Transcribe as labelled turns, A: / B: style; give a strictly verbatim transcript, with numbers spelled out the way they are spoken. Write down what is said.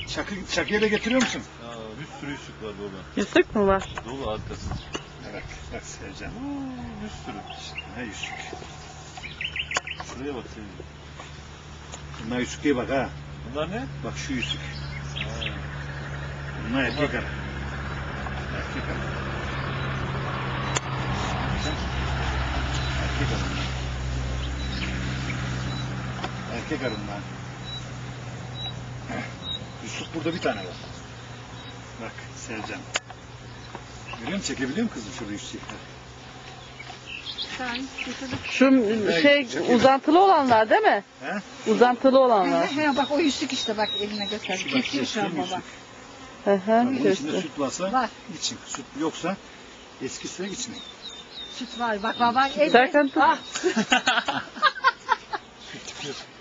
A: Çakı, çakıya da getiriyor musun?
B: Aa, bir sürü yüzük var dolu.
C: Yüzük mü var?
B: Dolu arkası.
A: Evet, bak Sevcan.
B: Oo, bir sürü.
A: Ne yüzük?
B: Şuraya bak senin.
A: Bunlar yüzük diye bak ha.
B: Bunlar ne?
A: Bak şu yüzük.
B: Ha.
A: Bunlar erkek arı. Erkek arı. Erkek arı. Erkek arı bunlar. Yusuf burada bir tane var. Bak Sevcan. Görüyor musun? Çekebiliyor musun kızım şurada yüzükler?
C: Şu şey uzantılı olanlar değil mi?
A: He?
C: Uzantılı olanlar.
D: He, he, bak o yüzük işte bak eline göster.
A: Şu bak,
D: Kesiyor şu an
A: göstereyim
D: baba.
A: yüzük.
C: Hı hı.
A: Bunun içinde
C: göster.
A: süt varsa
D: Var.
A: için. Süt yoksa eski suya içmeyin.
D: Süt var bak baba. el-
C: Serkan tut.
D: Ah,
A: Süt